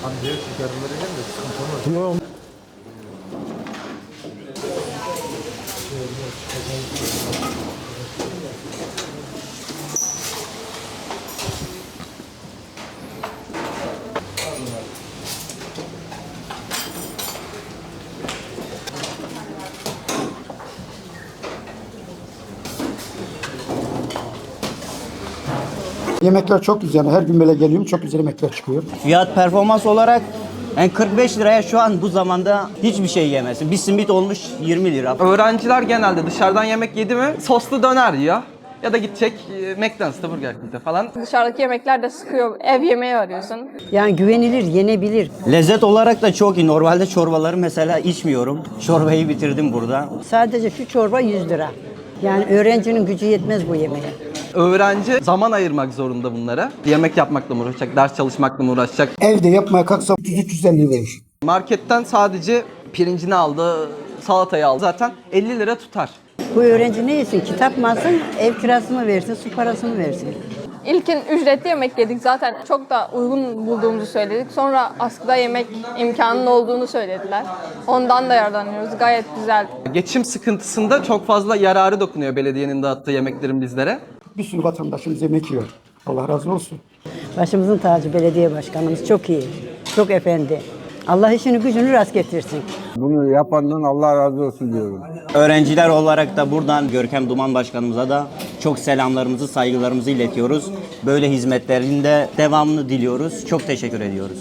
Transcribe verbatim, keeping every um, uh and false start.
Hani diğer şekerlere gel de sıkıntı olmaz. Yok. Yemekler çok güzel. Her gün böyle geliyorum. Çok güzel yemekler çıkıyor. Fiyat performans olarak yani kırk beş liraya şu an bu zamanda hiçbir şey yemezsin. Bir simit olmuş yirmi lira. Öğrenciler genelde dışarıdan yemek yedi mi soslu döner yiyor. Ya da gidecek e, McDonald's'ta Burger King'de falan. Dışarıdaki yemekler de sıkıyor. Ev yemeği arıyorsun. Yani güvenilir, yenebilir. Lezzet olarak da çok iyi. Normalde çorbaları mesela içmiyorum. Çorbayı bitirdim burada. Sadece şu çorba yüz lira. Yani öğrencinin gücü yetmez bu yemeğe. Öğrenci zaman ayırmak zorunda bunlara. Yemek yapmakla mı uğraşacak, ders çalışmakla mı uğraşacak? Evde yapmaya kalksa üç yüz üç yüz elli verir. Marketten sadece pirincini aldı, salatayı aldı. Zaten elli lira tutar. Bu öğrenci ne yesin? Kitap mı alsın, ev kirası mı versin, su parası mı versin? İlkin ücretli yemek yedik zaten. Çok da uygun bulduğumuzu söyledik. Sonra askıda yemek imkanının olduğunu söylediler. Ondan da yararlanıyoruz. Gayet güzel. Geçim sıkıntısında çok fazla yararı dokunuyor belediyenin dağıttığı yemeklerin bizlere. Bir sürü vatandaşımız yemek yiyor. Allah razı olsun. Başımızın tacı belediye başkanımız çok iyi, çok efendi. Allah işini gücünü rast getirsin. Bunu yapandan Allah razı olsun diyorum. Öğrenciler olarak da buradan Görkem Duman Başkanımıza da çok selamlarımızı, saygılarımızı iletiyoruz. Böyle hizmetlerin de devamını diliyoruz. Çok teşekkür ediyoruz.